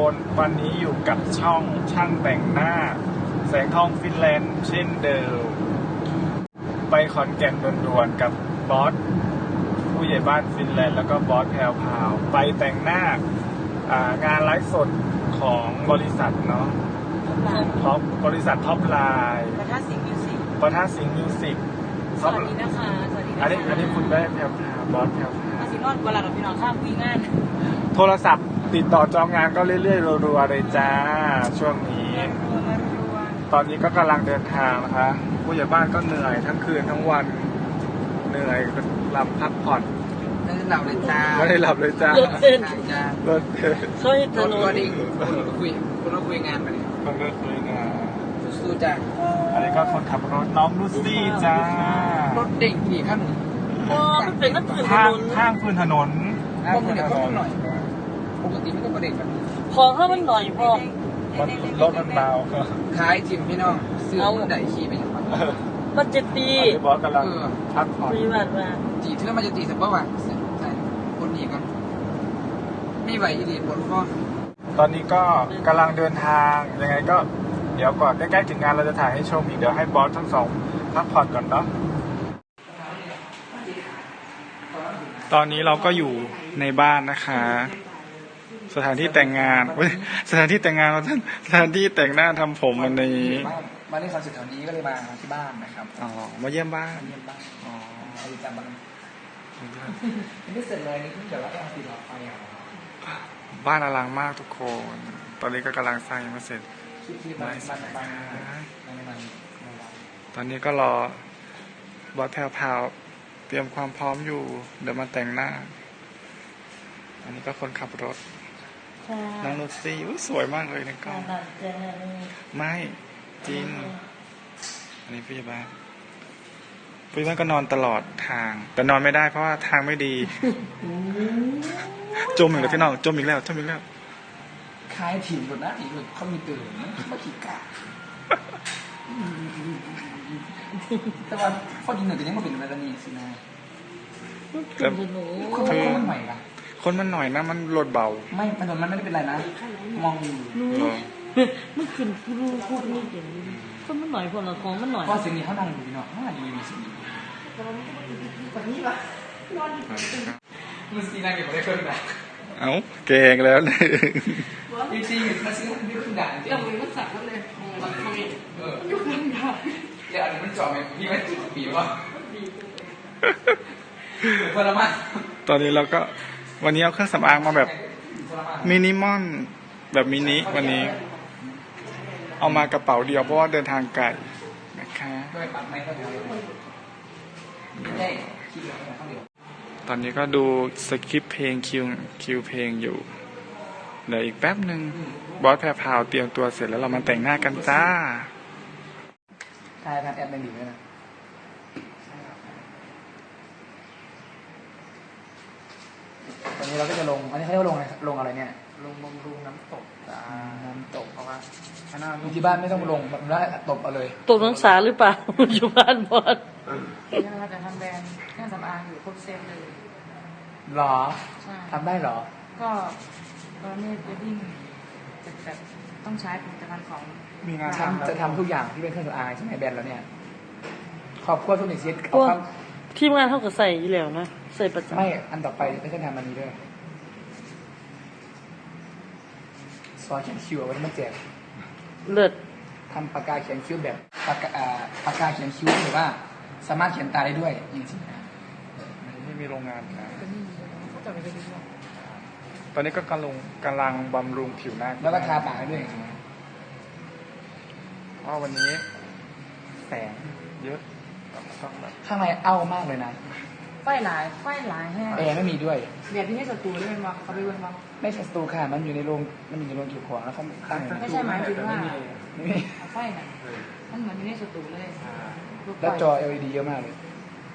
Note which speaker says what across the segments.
Speaker 1: คนวันนี้อยู่กับช่องช่างแต่งหน้าแสงทองฟินแลนด์เช่นเดิมไปขอนแก่นด่วนๆกับบอสผู้ใหญ่บ้านฟินแลนด์แล้วก็บอสแพรวพาวไปแต่งหน้างานไลฟ์สดของบริษัทเนาะท็อปบริษัทท็อปไลน์
Speaker 2: ประทัดสิงห์มิวสิก
Speaker 1: สวัสดีนะคะสวัสดีอันนี้คุณได้แพรวพาวบอสแพรวพาว
Speaker 2: สินอนเวลาเราพี่น้องข้ามคุยงาน
Speaker 1: โทรศัพท์ติดต่อจองงานก็เรื่อยๆรัวๆเลยจ้าช่วงนี้ตอนนี้ก็กำลังเดินทางนะคะผู้ใหญ่บ้านก็เหนื่อยทั้งคืนทั้งวันเหนื่อยหลับพักผ่อน
Speaker 2: ไม่ได้หลับเลยจ้า
Speaker 1: ไม่ได้หลับเลยจ้าร
Speaker 2: ถเต้น
Speaker 1: จ้ารถเต้น
Speaker 2: เขาให้ถนน
Speaker 3: คุณคุยงานไปเลย
Speaker 1: คนก็คุยงาน
Speaker 3: สู้จ้า
Speaker 1: อันนี้ก็คนขับรถน้องลูซี่จ้าร
Speaker 3: ถเด็กขี่ขั้น
Speaker 2: มันเป็นน้ำพื้นถนน
Speaker 1: ข้างพื้นถนน
Speaker 3: พวกมันเดี๋ยวก็หน่อยปกติมันก็ประเด็กแบบ
Speaker 2: พอถ้ามันหน่อยพอ
Speaker 1: รถมันเบา
Speaker 3: ขายจิมพี่น้องซื้อมันได้ขี่ไปอย่างไร
Speaker 2: มันจะตี
Speaker 1: บอสกำลังพักผ่อน
Speaker 3: จีเท่ามันจะตีสักว่าใช่คนนี้กันไม่ไหวอีหลีปวดข้อ
Speaker 1: ตอนนี้ก็กำลังเดินทางยังไงก็เดี๋ยวก่อนใกล้ๆถึงงานเราจะถ่ายให้ชมอีกเดี๋ยวให้บอสทั้งสองพักผ่อนก่อนเนาะตอนนี้เราก็อยู่ในบ้านนะคะสถานที่แต่งงานสถานที่แต่งงานเราสถานที่แต่งหน้าทำผมวันนี้
Speaker 3: มาเล่นคอนเสิร์ตแถวนี้ก็เลยมาที่บ้านนะครับ
Speaker 1: อ๋อมาเยี่ยมบ้าน
Speaker 3: อ๋อเอาจำบ้านไม่เสร็จเลยนี่เพิ่งจะรับติดต่อไป
Speaker 1: บ้านอลังมากทุกคนตอนนี้ก็กำลังสร้างยังไม่เสร็จตอนนี้ก็รอบอสแพรวเตรียมความพร้อมอยู่เดี๋ยวมาแต่งหน้าอันนี้ก็คนขับรถน้องนุชซี่สวยมากเลยในกล้องไม่จริงอันนี้พี่บ้านก็นอนตลอดทางแต่นอนไม่ได้เพราะว่าทางไม่ดีจมอีกแล้วพี่น้องจมอีกแล้ว
Speaker 3: คล้ายถิ่นหมดนะอีกเลยเขามีตื่นเขาขี้กาแต่ว่าข้อดีหนึ่งแต่ยังไม่เป็นอะไรนี่สินะคนมันใหม่ละ
Speaker 1: คนมันหน่อยนะมันรถเบา
Speaker 3: ไม่ถนนมันไม่ได้เป็นไรนะมองอยู่
Speaker 2: มันขึ้นพูดนี่เก่งคนมันหน่อยคนละของมันหน่อย
Speaker 3: ก็สิ่งนี้เขานั่งอยู่เนาะน่าดีมีสิ่งนี้แบบนี้ละมันสีน่าเก็บไว้ได้เครื่องด่า
Speaker 1: เอ้าเก่งแล้วเลย
Speaker 3: จริงๆมันสีน่าไม่เครื่องด่าจริง
Speaker 2: แต่มันสักมันเลยมันยุ่งเครื่องด่า
Speaker 3: เดี๋ยวอันนี้มันจ่อไหมพี่มันจุดปีวะพลมา
Speaker 1: ตอนนี้เราก็วันนี้เอาเครื่องสำอางมาแบบมินิมอลแบบมินิวันนี้เอามากระเป๋าเดียวเพราะว่าเดินทางไกลนะคะตอนนี้ก็ดูสคริปต์เพลงคิวเพลงอยู่เดี๋ยวอีกแป๊บหนึ่งบอสแพรพาวเตรียมตัวเสร็จแล้วเรามาแต่งหน้ากันจ้า
Speaker 3: ถ่ายผ่านแอปเป็นดีเลยนะตอนนี้เราก็จะลงอันนี้เขาเรียกว่าลงอะไรเนี่ย
Speaker 1: ลงบำรุงน้ำตก
Speaker 3: เพราะว่าที่บ้านไม่ต้องลงแบบนั้นตบเอาเลย
Speaker 2: ตบน้องสาหรือเปล่าอยู่บ้านบอส
Speaker 4: เราจะทำแบรนด์เครื่องสำอางอยู่ครบเซตเลย
Speaker 3: หรอทำได้หรอ
Speaker 4: ก็ตอนนี้จะวิ่งแบบต้องใช้ผลิตภัณฑ์ของ
Speaker 3: มีงานจะทำทุกอย่างที่เป็นเครื่องสำอางใช่ไหมแบรนด์แล้วเนี่ยขอบคุณทุกหนึ่งเซต
Speaker 2: ทีมงานเท่ากับใส่อยู่แล้วนะใส่ประจำ
Speaker 3: ไม่อันต่อไปไม่ใช่ทำมันนี้ด้วยซอสเขียนคิวเอาไว้มาแจก
Speaker 2: เลิศ
Speaker 3: ทำปากกาเขียนคิ้วแบบปากกาเขียนคิ้วหรือว่าสามารถเขียนตาได้ด้วยจริง
Speaker 1: ๆไม่มีโรงงานนะตอนนี้ก็กำลังบำรุงผิวหน้า
Speaker 3: แล้วก็ทาปากด้วย
Speaker 1: เพราะวันนี้แสงเยอะ
Speaker 3: ข้างในเอ้ามากเลยนะ
Speaker 4: ไฟหลายแห้ง
Speaker 3: แอร์ไม่มีด้วย
Speaker 4: เบียดที่นี่สตูได้ไหมวะเขาไปเบิ่งวะ
Speaker 3: ไม่ใช่สตูค่ะมันอยู่ในโรงเก็บของแล้วเขาตั้ง
Speaker 4: ไม่ใช่หมายถึงว่าไฟน่ะมันเหมือนอยู่ในสตูเลย
Speaker 3: แล้วจอ LED เยอะมากเลย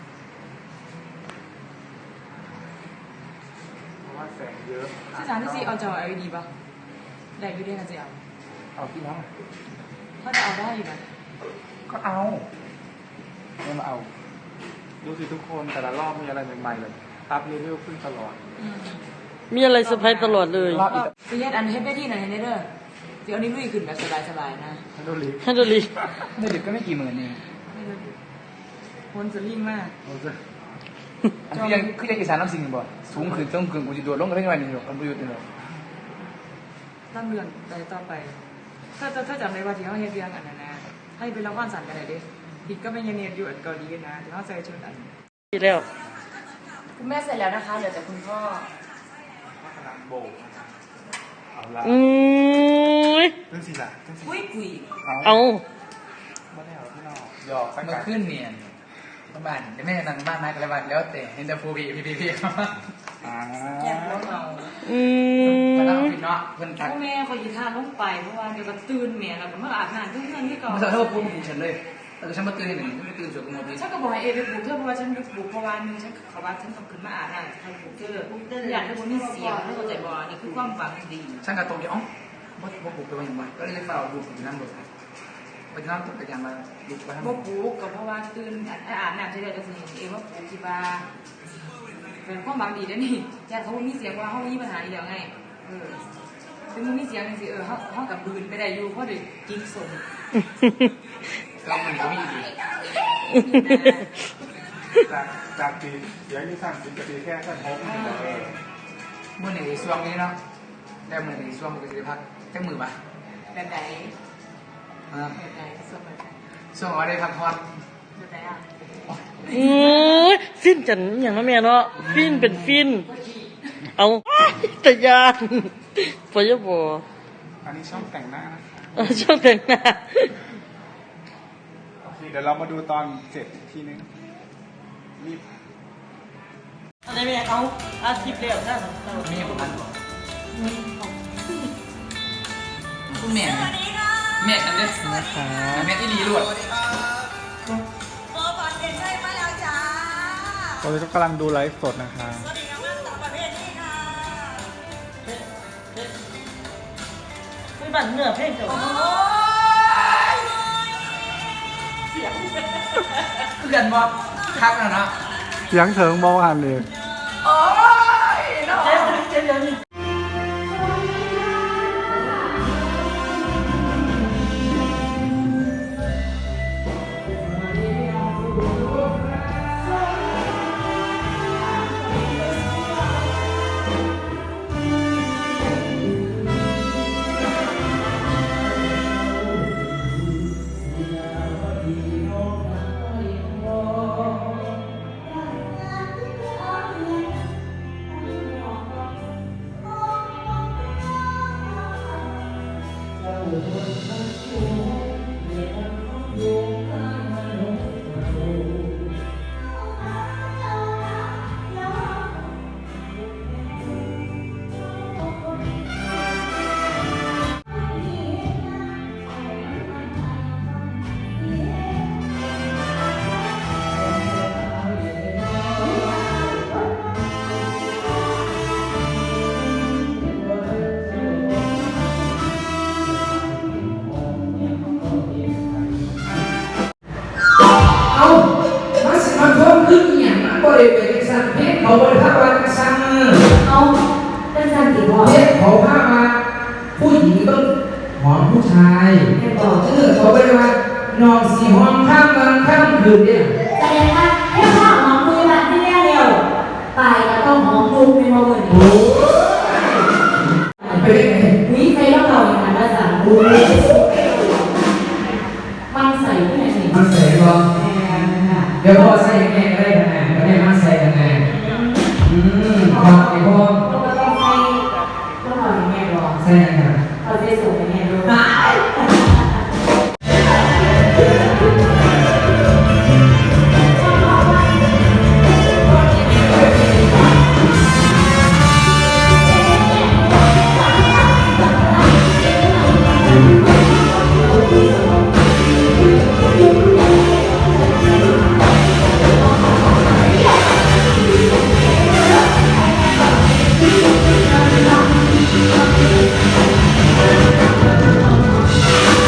Speaker 1: เพราะว่าแสงเยอะ
Speaker 4: ที่ร้านที่ซีเอาจอ LED ป่ะได้อยู่ด้วยกันสิ
Speaker 3: เอาที่น้อง
Speaker 4: เขาจะเอาได้อยู่ไหม
Speaker 3: ก็เอาไม่มาเอา
Speaker 1: ดูสิทุกคนแต่ละรอบมีอะไรใหม่ๆเลยอัพเลเวลขึ้นตลอด
Speaker 2: มีอะไรเซอร์ไพรส์ตลอดเลย
Speaker 3: รอบอีก
Speaker 4: ซีเฮ็ดอันเฮ็ดได้ที่ไหนเฮ็ดได้เด้อเดี๋ยวอันนี้ลุยขึ้นแบบสบายๆนะ
Speaker 1: ฮัลโหลลี
Speaker 2: ฮันโดลี
Speaker 3: เด็กก็ไม่กี่หมื่นเอง
Speaker 4: คนสลิงมาก
Speaker 3: อันคือยังอีสานน้ำสิ่งบ่สูงขึ้นต้องขึ้นกูจะโดดลงกันได้ไงนี่หรอกมันประโยชน์นี่หรอก
Speaker 4: ตั้งเรื่องไปต่อไป ถ้าจำได้ว่าที่เขาเฮ็ดเรื่องอันนั้นนะให้เป็นละครสั่นกันได้เด้ผิดก็ไม่เนียนอยู่อันเกาหลีนะที่เขาใส่ชุดอัน
Speaker 2: ดีแล้ว
Speaker 4: คุณแม่เสร็จแล้วนะคะเหลือแต่คุณพ่อ
Speaker 1: เอาละ
Speaker 2: อืย
Speaker 1: เรื่องสิล่ะเรื่องสิ
Speaker 4: คุย
Speaker 2: เอา
Speaker 1: ไม่ได้เอาที่นอกหยอกสัก
Speaker 3: เมื่
Speaker 1: กั
Speaker 3: อน ขึ้นเนี่ยบ้านเดี๋ยวแม่นั่งบ้านนะกันแล้วแต่เห็นแต่ฟูพีครับ
Speaker 1: อ่า
Speaker 4: แยกหัวเรา
Speaker 2: อืม
Speaker 3: มาตั้งพี่เนาะเพื่อนทัก
Speaker 4: พ่อแม่คอยยีท่าลงไปเพราะว่าเดี๋ยวก็ตื่นแม่แล้วก็มาอาบน้ำเพื่อนที่ก่อน
Speaker 3: มาสั่งให้ว่าปูผูกฉันเลยแต่ฉันมาตื่นหนึ่งไม่ตื่นสวยกูหมดเลย
Speaker 4: ฉันก็บอกให้เอไปปลูกเธอเพราะว่าฉันไปปลูกเพราะว่านึงฉันเขาว่าฉันต้องขึ้นมาอาบน้ำใครปลูกเธออยากให้คนมีเสียงให้เข้าใจบ่นี่คือความหวังดี
Speaker 3: ช่างกระตรงเดียวว่าผูกไปวันยังไงก็เลยเฝ้าดูผมนั่งรถไปนั่งรถจักรยานมาดูไปทั้งหม
Speaker 4: บ่
Speaker 3: ด
Speaker 4: ปลูกก็เพราะว่าตื่นอาบน้ำใช่ได้จะสิเองว่าปลูกที่บ้านเป็นความหวังดีนะนี่ญาติเขามีเสียงว่าเขามีปัญหาอีกแล้วไงถึงมันมีเสียงสิเขากับบืนไปได้อยู่เพราะเด็กกินสม
Speaker 3: เรามันก็มีดี
Speaker 1: จากปีเดี๋ยวนี้สั่งกินกะทิแค่แค่พกนี่แหละ
Speaker 3: เมื่อหนึ่งช่วงนี้เนาะได้เมื่อหนึ่งช่วงก็จะพักแค่มือป่ะ
Speaker 4: แบบไหนแบบไหนสมแบบไหน
Speaker 3: ช่วงว่าได้พักผ่อน
Speaker 4: แบบไหนอ่ะ
Speaker 2: อืยฟินจันอย่างนั้นแม่เนาะฟินเป็นฟิน เอาแต่ยานปอยบอ
Speaker 1: อันนี้ช่องแต่งหน้านะ
Speaker 2: ชอบแต่งหน้า
Speaker 1: โอเคเดี๋ยวเรามาดูตอนเสร็จอีกทีนึงรีบ
Speaker 2: อะไรแม่เอาอาชีพเร็วนะ
Speaker 3: มีผมพันก่อนคุณแม่แม่กันเด้
Speaker 1: นะคะ
Speaker 3: แม่ที่ดีรวด
Speaker 1: ตอนนี้ก็กำลังดูไลฟ์สดนะคะ
Speaker 2: ไม่บันเนื้อเพลงเจ้า
Speaker 3: เพื่อนบอกทักแล้วเนาะ
Speaker 1: เสียงเถิงเบาหันเลย
Speaker 3: โอ้ยเนาะ
Speaker 2: เจ๊เดี๋ยวนี้
Speaker 5: เอามาสิมาท่วมขึ้นอหย่างมันบริเวณสันเพศเขาบริภาพวากระซัง
Speaker 6: เอาเป็นสันติพ่อ
Speaker 5: เพศเขาภาพมาผู้หญิงต้องหอมผู้ชาย
Speaker 6: แม่บอก
Speaker 5: เขาบริวารนอนสีห้องข้ามกันข้ามคืนเนี่ย
Speaker 6: แสดงว่าให้พ่อหอมมือแบบที่แรกเร็วไปแล้วก็หอมลูกเป็นโมเมนต์
Speaker 5: โอ้ยไปได้ไง
Speaker 6: วิใครต้องเราอย่างนั้นภาษาดูมันใส่ที่ไหนนี่
Speaker 5: มันใส่ก็
Speaker 6: แม่ค่ะ
Speaker 5: เดี๋ยวพ่อใส่ยังไงก็ได้ขนาดไม่ได้มาใส่ยังไงพอไอ้พ่อ
Speaker 6: เราก็ต้องใส่ต้องเราอย่างแม่บอก
Speaker 5: ใส่ยังไง
Speaker 6: เราจะส่งอย่างแม่ดู
Speaker 5: เ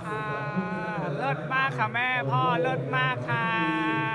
Speaker 1: ค่ะเลิศมากค่ะแม่พ่อเลิศมากค่ะ